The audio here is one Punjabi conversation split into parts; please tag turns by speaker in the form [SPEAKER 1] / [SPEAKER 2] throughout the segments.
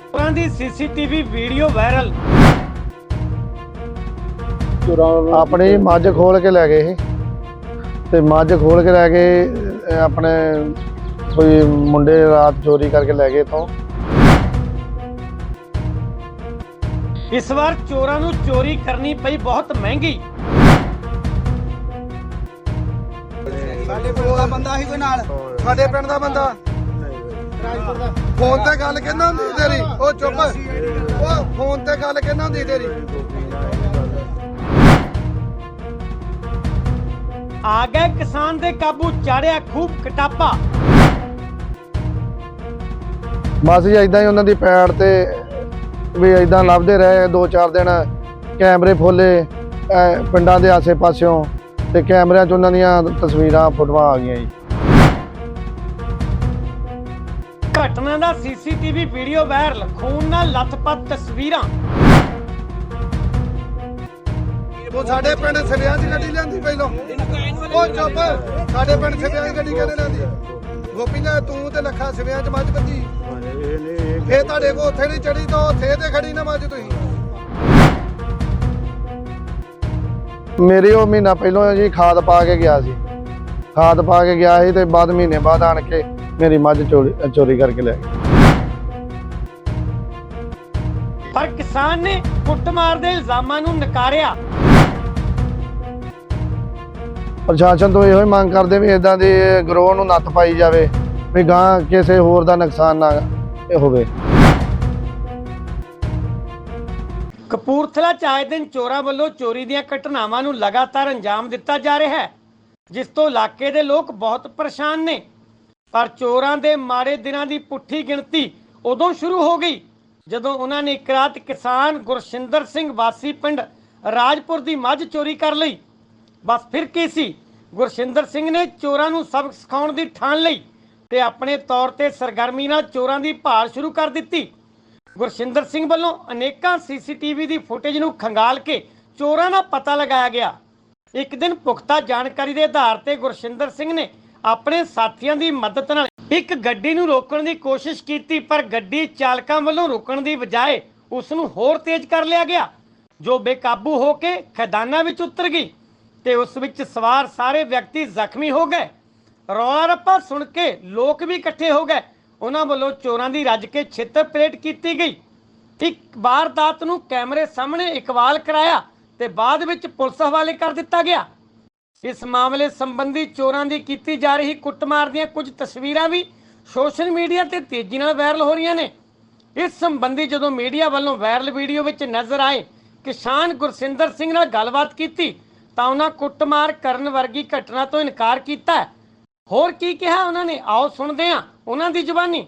[SPEAKER 1] ਦੀ ਸੀਸੀਟੀਵੀ ਵੀਡੀਓ ਵਾਇਰਲ।
[SPEAKER 2] ਆਪਣੀ ਮੱਝ ਖੋਲ ਕੇ ਲੈ ਗਏ ਤੇ ਮੱਝ ਖੋਲ ਕੇ ਲੈ ਗਏ ਆਪਣੇ ਕੋਈ ਮੁੰਡੇ ਰਾਤ ਚੋਰੀ ਕਰਕੇ ਲੈ ਗਏ ਤੋਂ।
[SPEAKER 1] ਇਸ ਵਾਰ ਚੋਰਾਂ ਨੂੰ ਚੋਰੀ ਕਰਨੀ ਪਈ ਬਹੁਤ ਮਹਿੰਗੀ।
[SPEAKER 3] ਸਾਡੇ ਪਿੰਡ ਦਾ ਬੰਦਾ ਸੀ ਕੋਈ ਨਾਲ, ਸਾਡੇ ਪਿੰਡ ਦਾ ਬੰਦਾ ਫੋਨ ਤੇ ਗੱਲ ਕਹਿੰਦਾ ਹੁੰਦੀ ਤੇਰੀ, ਉਹ ਚੁੱਪ, ਉਹ ਫੋਨ ਤੇ ਗੱਲ ਕਹਿੰਦਾ ਹੁੰਦੀ ਤੇਰੀ।
[SPEAKER 1] ਆ ਗਏ ਕਿਸਾਨ ਦੇ ਕਾਬੂ, ਚਾੜਿਆ ਖੂਬ ਕਟਾਪਾ।
[SPEAKER 2] ਬਸ ਜੀ ਇਦਾਂ ਹੀ ਉਹਨਾਂ ਦੀ ਪੈੜ ਤੇ ਵੀ ਇਦਾਂ ਲੱਭਦੇ ਰਹੇ 2-4 ਦਿਨ। ਕੈਮਰੇ ਫੋਲੇ ਪਿੰਡਾਂ ਦੇ ਆਸੇ ਪਾਸਿਓਂ ਤੇ ਕੈਮਰਿਆਂ 'ਚ ਉਹਨਾਂ ਦੀਆਂ ਤਸਵੀਰਾਂ ਫੋਟੋਆਂ ਆ ਗਈਆਂ ਜੀ।
[SPEAKER 1] ਘਟਨਾ ਦਾ ਸੀਸੀਟੀਵੀ ਵੀਡੀਓ ਵਾਇਰਲ, ਖੂਨ ਨਾਲ ਲੱਥਪੱਥ ਤਸਵੀਰਾਂ।
[SPEAKER 3] ਉਹ ਸਾਡੇ ਪਿੰਡ ਸਿਵਿਆਂ ਦੀ ਗੱਡੀ ਲਿਆਂਦੀ ਪਹਿਲੋਂ, ਉਹ ਚੁੱਪ, ਸਾਡੇ ਪਿੰਡ ਸਿਵਿਆਂ ਦੀ ਗੱਡੀ ਕਿਹਨੇ ਲਿਆਂਦੀ? ਗੋਪੀ ਨੇ ਤੂੰ ਤੇ ਲੱਖਾ ਸਿਵਿਆਂ 'ਚ ਮੱਝ ਬੱਧੀ, ਫੇਰ ਤੁਹਾਡੇ ਕੋਲ ਉੱਥੇ ਨਹੀਂ ਚੜੀ ਤਾਂ ਉੱਥੇ ਤੇ ਖੜੀ ਨਾ ਮੱਝ ਤੁਸੀਂ।
[SPEAKER 2] ਮੇਰੀ ਉਹ ਮਹੀਨਾ ਪਹਿਲੋਂ ਜੀ ਖਾਦ ਪਾ ਕੇ ਗਿਆ ਸੀ, ਖਾਦ ਪਾ ਕੇ ਗਿਆ ਸੀ ਤੇ ਬਾਅਦ ਮਹੀਨੇ ਬਾਅਦ ਆਣ ਕੇ ਮੇਰੀ ਮੱਝ ਚੋਰੀ ਕਰਕੇ ਲੈ ਗਏ।
[SPEAKER 1] ਪਰ ਕਿਸਾਨ ਨੇ ਕੁੱਟਮਾਰ ਦੇ ਇਲਜ਼ਾਮਾਂ ਨੂੰ ਨਕਾਰਿਆ।
[SPEAKER 2] ਪ੍ਰਸ਼ਾਸਨ ਤੋਂ ਇਹੋ ਹੀ ਮੰਗ ਕਰਦੇ ਵੀ ਇਦਾਂ ਦੇ ਗਰੋਹ ਨੂੰ ਨੱਥ ਪਾਈ ਜਾਵੇ ਵੀ ਗਾਂ ਕਿਸੇ ਹੋਰ ਦਾ ਨੁਕਸਾਨ ਨਾ ਹੋਵੇ।
[SPEAKER 1] ਕਪੂਰਥਲਾ 'ਚ ਆਏ ਦਿਨ ਚੋਰਾਂ ਵੱਲੋਂ ਚੋਰੀ ਦੀਆਂ ਘਟਨਾਵਾਂ ਨੂੰ ਲਗਾਤਾਰ ਅੰਜਾਮ ਦਿੱਤਾ ਜਾ ਰਿਹਾ ਹੈ, ਜਿਸ ਤੋਂ ਇਲਾਕੇ ਦੇ ਲੋਕ ਬਹੁਤ ਪਰੇਸ਼ਾਨ ਨੇ। ਪਰ ਚੋਰਾਂ ਦੇ ਮਾੜੇ ਦਿਨਾਂ ਦੀ ਪੁੱਠੀ ਗਿਣਤੀ ਉਦੋਂ ਸ਼ੁਰੂ ਹੋ ਗਈ ਜਦੋਂ ਉਹਨਾਂ ਨੇ ਇੱਕ ਰਾਤ ਕਿਸਾਨ ਗੁਰਸ਼ਿੰਦਰ ਸਿੰਘ ਵਾਸੀ ਪਿੰਡ ਰਾਜਪੁਰ ਦੀ ਮੱਝ ਚੋਰੀ ਕਰ ਲਈ। ਬਸ ਫਿਰ ਕੀ ਸੀ, ਗੁਰਸ਼ਿੰਦਰ ਸਿੰਘ ਨੇ ਚੋਰਾਂ ਨੂੰ ਸਬਕ ਸਿਖਾਉਣ ਦੀ ਠਾਣ ਲਈ ਤੇ ਆਪਣੇ ਤੌਰ ਤੇ ਸਰਗਰਮੀ ਨਾਲ ਚੋਰਾਂ ਦੀ ਭਾਲ ਸ਼ੁਰੂ ਕਰ ਦਿੱਤੀ। ਗੁਰਸ਼ਿੰਦਰ ਸਿੰਘ ਵੱਲੋਂ ਅਨੇਕਾਂ ਸੀਸੀਟੀਵੀ ਦੀ ਫੁਟੇਜ ਨੂੰ ਖੰਗਾਲ ਕੇ ਚੋਰਾਂ ਦਾ ਪਤਾ ਲਗਾਇਆ ਗਿਆ। ਇੱਕ ਦਿਨ ਪੁਖਤਾ ਜਾਣਕਾਰੀ ਦੇ ਆਧਾਰ ਤੇ ਗੁਰਸ਼ਿੰਦਰ ਸਿੰਘ ਨੇ ਆਪਣੇ ਸਾਥੀਆਂ ਦੀ ਮਦਦ ਨਾਲ ਇੱਕ ਗੱਡੀ ਨੂੰ ਰੋਕਣ ਦੀ ਕੋਸ਼ਿਸ਼ ਕੀਤੀ, ਪਰ ਗੱਡੀ ਚਾਲਕਾਂ ਵੱਲੋਂ ਰੁਕਣ ਦੀ ਬਜਾਏ ਉਸ ਨੂੰ ਹੋਰ ਤੇਜ਼ ਕਰ ਲਿਆ ਗਿਆ, ਜੋ ਬੇਕਾਬੂ ਹੋ ਕੇ ਖੈਦਾਨਾਂ ਵਿੱਚ ਉਤਰ ਗਈ ਤੇ ਉਸ ਵਿੱਚ ਸਵਾਰ ਸਾਰੇ ਵਿਅਕਤੀ ਜ਼ਖਮੀ ਹੋ ਗਏ। ਰੌਲਾ ਰੱਪਾ ਸੁਣ ਕੇ ਲੋਕ ਵੀ ਇਕੱਠੇ ਹੋ ਗਏ। ਉਹਨਾਂ ਵੱਲੋਂ ਚੋਰਾਂ ਦੀ ਰੱਜ ਕੇ ਛਿੱਤਰ ਪਰੇਡ ਕੀਤੀ ਗਈ। ਇੱਕ ਵਾਰਦਾਤ ਨੂੰ ਕੈਮਰੇ ਸਾਹਮਣੇ ਇਕਬਾਲ ਕਰਾਇਆ ਤੇ ਬਾਅਦ ਵਿੱਚ ਪੁਲਿਸ ਹਵਾਲੇ ਕਰ ਦਿੱਤਾ ਗਿਆ। ਇਸ ਮਾਮਲੇ ਸੰਬੰਧੀ ਚੋਰਾਂ ਦੀ ਕੀਤੀ ਜਾ ਰਹੀ ਕੁੱਟਮਾਰ ਦੀਆਂ ਕੁਝ ਤਸਵੀਰਾਂ ਵੀ ਸੋਸ਼ਲ ਮੀਡੀਆ ਤੇ ਤੇਜ਼ੀ ਨਾਲ ਵਾਇਰਲ ਹੋ ਰਹੀਆਂ ਨੇ। ਇਸ ਸੰਬੰਧੀ ਜਦੋਂ ਮੀਡੀਆ ਵੱਲੋਂ ਵਾਇਰਲ ਵੀਡੀਓ ਵਿੱਚ ਨਜ਼ਰ ਆਏ ਕਿਸਾਨ ਗੁਰਸ਼ਿੰਦਰ ਸਿੰਘ ਨਾਲ ਗੱਲਬਾਤ ਕੀਤੀ ਤਾਂ ਉਹਨਾਂ ਕੁੱਟਮਾਰ ਕਰਨ ਵਰਗੀ ਘਟਨਾ ਤੋਂ ਇਨਕਾਰ ਕੀਤਾ। ਹੋਰ ਕੀ ਕਿਹਾ ਉਹਨਾਂ ਨੇ, ਆਓ ਸੁਣਦੇ ਹਾਂ ਉਹਨਾਂ ਦੀ ਜ਼ੁਬਾਨੀ।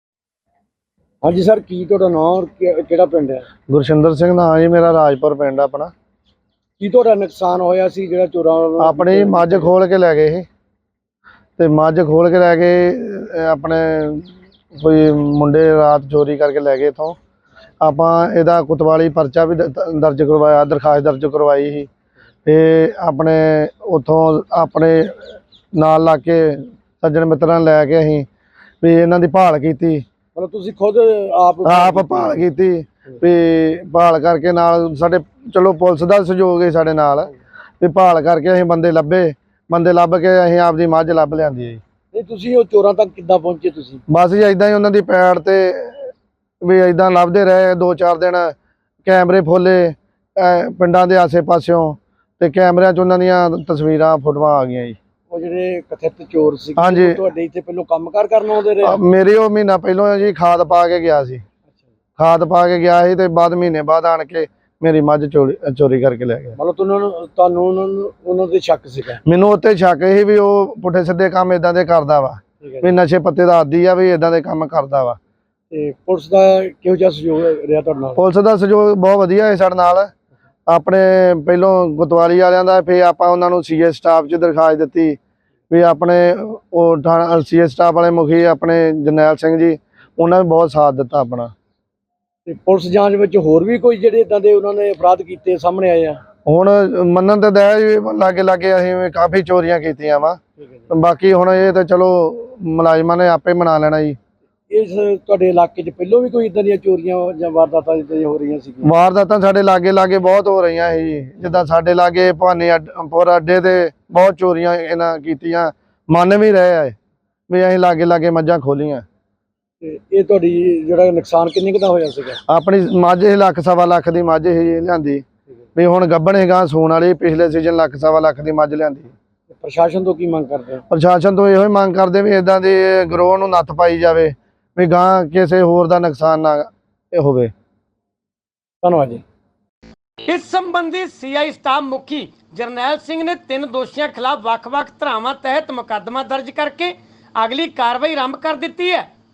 [SPEAKER 4] ਹਾਂਜੀ ਸਰ, ਕੀ ਤੁਹਾਡਾ ਨਾਮ ਔਰ ਕਿਹੜਾ ਪਿੰਡ ਹੈ?
[SPEAKER 2] ਗੁਰਸ਼ਿੰਦਰ ਸਿੰਘ ਨਾਂ ਜੀ ਮੇਰਾ, ਰਾਜਪੁਰ ਪਿੰਡ ਆਪਣਾ।
[SPEAKER 4] ਕੀ ਤੁਹਾਡਾ ਨੁਕਸਾਨ ਹੋਇਆ ਸੀ ਜਿਹੜਾ ਚੋਰਾਂ ਵੱਲੋਂ?
[SPEAKER 2] ਆਪਣੀ ਮੱਝ ਖੋਲ ਕੇ ਲੈ ਗਏ ਤੇ ਮੱਝ ਖੋਲ ਕੇ ਲੈ ਗਏ ਆਪਣੇ ਕੋਈ ਮੁੰਡੇ ਰਾਤ ਚੋਰੀ ਕਰਕੇ ਲੈ ਗਏ ਤੋਂ। ਆਪਾਂ ਇਹਦਾ ਕੁਤਵਾਲੀ ਪਰਚਾ ਵੀ ਦਰਜ ਕਰਵਾਇਆ, ਦਰਖਾਸਤ ਦਰਜ ਕਰਵਾਈ ਸੀ ਤੇ ਆਪਣੇ ਉੱਥੋਂ ਆਪਣੇ ਨਾਲ ਲਾ ਕੇ ਸੱਜਣ ਮਿੱਤਰਾਂ ਲੈ ਕੇ ਅਸੀਂ ਵੀ ਇਹਨਾਂ ਦੀ ਭਾਲ ਕੀਤੀ।
[SPEAKER 4] ਮਤਲਬ ਤੁਸੀਂ ਖੁਦ ਆਪ
[SPEAKER 2] ਭਾਲ ਕੀਤੀ ਵੀ ਭਾਲ ਕਰਕੇ ਨਾਲ ਸਾਡੇ ਚਲੋ ਪੁਲਿਸ ਦਾ ਸਹਿਯੋਗ ਹੈ ਸਾਡੇ ਨਾਲ ਵੀ ਭਾਲ ਕਰਕੇ ਅਸੀਂ ਬੰਦੇ ਲੱਭ ਕੇ ਅਸੀਂ ਆਪਦੀ ਮੱਝ ਲੱਭ ਲਿਆਂਦੀ ਹੈ ਜੀ।
[SPEAKER 4] ਨਹੀਂ, ਤੁਸੀਂ ਉਹ ਚੋਰਾਂ ਤੱਕ ਕਿੱਦਾਂ ਪਹੁੰਚੇ ਤੁਸੀਂ?
[SPEAKER 2] ਬਸ ਜੀ ਇਦਾਂ ਹੀ ਉਹਨਾਂ ਦੀ ਪੈੜ ਤੇ ਵੀ ਇਦਾਂ ਲੱਭਦੇ ਰਹੇ 2-4 ਦਿਨ। ਕੈਮਰੇ ਫੋਲੇ ਪਿੰਡਾਂ ਦੇ ਆਸੇ ਪਾਸਿਓਂ ਤੇ ਕੈਮਰਿਆਂ 'ਚ ਉਹਨਾਂ ਦੀਆਂ ਤਸਵੀਰਾਂ ਫੋਟੋਆਂ ਆ ਗਈਆਂ ਜੀ।
[SPEAKER 4] ਉਹ ਜਿਹੜੇ ਕਥਿਤ ਚੋਰ ਸੀ
[SPEAKER 2] ਹਾਂਜੀ,
[SPEAKER 4] ਤੁਹਾਡੇ ਇੱਥੇ ਪਹਿਲੋਂ ਕੰਮਕਾਰ ਕਰਨ ਆਉਂਦੇ ਰਹੇ?
[SPEAKER 2] ਮੇਰੀ ਉਹ ਮਹੀਨਾ ਪਹਿਲੋਂ ਜੀ ਖਾਦ ਪਾ ਕੇ ਗਿਆ ਸੀ, ਖਾਦ ਪਾ ਕੇ ਗਿਆ ਸੀ ਤੇ ਬਾਅਦ ਮਹੀਨੇ ਬਾਅਦ ਆਣ ਕੇ ਮੇਰੀ ਮੱਝ ਚੋਰੀ ਕਰਕੇ ਲੈ ਗਿਆ।
[SPEAKER 4] ਮਤਲਬ ਤੁਹਾਨੂੰ ਉਹਨਾਂ ਦੇ ਸ਼ੱਕ ਸੀਗਾ?
[SPEAKER 2] ਮੈਨੂੰ ਉੱਤੇ ਸ਼ੱਕ ਸੀ ਵੀ ਉਹ ਪੁੱਠੇ ਸਿੱਧੇ ਕੰਮ ਇਦਾਂ ਦੇ ਕਰਦਾ ਵਾ, ਵੀ ਨਸ਼ੇ ਪੱਤੇ ਦਾ ਆਦੀ ਆ, ਵੀ ਇਦਾਂ ਦੇ ਕੰਮ ਕਰਦਾ ਵਾ।
[SPEAKER 4] ਤੇ ਪੁਲਿਸ ਦਾ ਕਿਹੋ ਜਿਹਾ ਸਹਿਯੋਗ ਰਿਹਾ ਤੁਹਾਡੇ ਨਾਲ?
[SPEAKER 2] ਪੁਲਿਸ ਦਾ ਸਹਿਯੋਗ ਬਹੁਤ ਵਧੀਆ ਹੈ ਸਾਡੇ ਨਾਲ। ਆਪਣੇ ਪਹਿਲੋਂ ਗੁਤਵਾਲੀ ਵਾਲਿਆਂ ਦਾ, ਫਿਰ ਆਪਾਂ ਉਹਨਾਂ ਨੂੰ ਸੀਏ ਸਟਾਫ 'ਚ ਦਰਖਾਸਤ ਦਿੱਤੀ ਵੀ ਆਪਣੇ ਉਹ ਥਾਣਾ ਸੀਏ ਸਟਾਫ ਵਾਲੇ ਮੁਖੀ ਆਪਣੇ ਜਰਨੈਲ ਸਿੰਘ ਜੀ, ਉਹਨਾਂ ਨੇ ਬਹੁਤ ਸਾਥ ਦਿੱਤਾ ਆਪਣਾ।
[SPEAKER 4] ਤੇ ਪੁਲਿਸ ਜਾਂਚ ਵਿੱਚ ਹੋਰ ਵੀ ਕੋਈ ਜਿਹੜੇ ਇਦਾਂ ਦੇ ਉਹਨਾਂ ਨੇ ਅਪਰਾਧ ਕੀਤੇ ਸਾਹਮਣੇ ਆਏ ਆ?
[SPEAKER 2] ਹੁਣ ਮੰਨਣ ਤੇ ਦਇਆ ਜੀ, ਲਾਗੇ ਅਸੀਂ ਕਾਫੀ ਚੋਰੀਆਂ ਕੀਤੀਆਂ ਵਾ। ਬਾਕੀ ਹੁਣ ਇਹ ਤਾਂ ਚਲੋ ਮੁਲਾਜ਼ਮਾਂ ਨੇ ਆਪੇ ਮਨਾ ਲੈਣਾ ਜੀ,
[SPEAKER 4] ਇਸ ਤੁਹਾਡੇ ਇਲਾਕੇ 'ਚ ਪਹਿਲਾਂ ਵੀ ਕੋਈ ਇਦਾਂ ਦੀਆਂ ਚੋਰੀਆਂ ਜਾਂ ਵਾਰਦਾਤਾਂ ਜਿੱਦਾਂ ਦੀਆਂ ਹੋ ਰਹੀਆਂ ਸੀਗੀਆਂ?
[SPEAKER 2] ਵਾਰਦਾਤਾਂ ਸਾਡੇ ਲਾਗੇ ਲਾਗੇ ਬਹੁਤ ਹੋ ਰਹੀਆਂ ਸੀ ਜੀ। ਜਿੱਦਾਂ ਸਾਡੇ ਲਾਗੇ ਭਵਾਨੀਪੁਰ ਅੱਡੇ ਤੇ ਬਹੁਤ ਚੋਰੀਆਂ ਇਹਨਾਂ ਕੀਤੀਆਂ, ਮੰਨ ਵੀ ਰਹੇ ਆ ਵੀ ਅਸੀਂ ਲਾਗੇ ਲਾਗੇ ਮੱਝਾਂ ਖੋਲੀਆਂ।
[SPEAKER 4] ਤੇ ਇਹ ਤੁਹਾਡੀ ਜਿਹੜਾ ਨੁਕਸਾਨ ਕਿੰਨੇ ਕੁ ਦਾ ਹੋਇਆ ਸੀਗਾ?
[SPEAKER 2] ਆਪਣੀ ਮੱਝ ਸੀ 1.5 ਸਵਾ ਲੱਖ ਦੀ ਮੱਝ ਸੀ ਲਿਆਂਦੀ, ਵੀ ਹੁਣ ਗੱਭਣ ਹੈਗਾ ਸੂਣ ਵਾਲੀ। ਪਿਛਲੇ ਸੀਜ਼ਨ 1.5 ਸਵਾ ਲੱਖ ਦੀ ਮੱਝ ਲਿਆਂਦੀ।
[SPEAKER 4] ਪ੍ਰਸ਼ਾਸਨ ਤੋਂ ਕੀ ਮੰਗ ਕਰਦੇ ਹੋ?
[SPEAKER 2] ਪ੍ਰਸ਼ਾਸਨ ਤੋਂ ਇਹੋ ਹੀ ਮੰਗ ਕਰਦੇ ਵੀ ਇਦਾਂ ਦੇ ਗਰੋਹ ਨੂੰ ਨੱਥ ਪਾਈ ਜਾਵੇ, ਵੀ ਗਾਂ ਕਿਸੇ ਹੋਰ ਦਾ ਨੁਕਸਾਨ ਨਾ ਹੋਵੇ।
[SPEAKER 4] ਧੰਨਵਾਦ ਜੀ।
[SPEAKER 1] ਇਸ ਸੰਬੰਧੀ ਸੀਆਈ ਸਟਾਫ ਮੁਖੀ ਜਰਨੈਲ ਸਿੰਘ ਨੇ 3 ਦੋਸ਼ੀਆਂ ਖਿਲਾਫ ਵੱਖ-ਵੱਖ ਧਾਰਾਵਾਂ ਤਹਿਤ ਮੁਕੱਦਮਾ ਦਰਜ ਕਰਕੇ ਅਗਲੀ ਕਾਰਵਾਈ ਆਰੰਭ ਕਰ ਦਿੱਤੀ ਹੈ।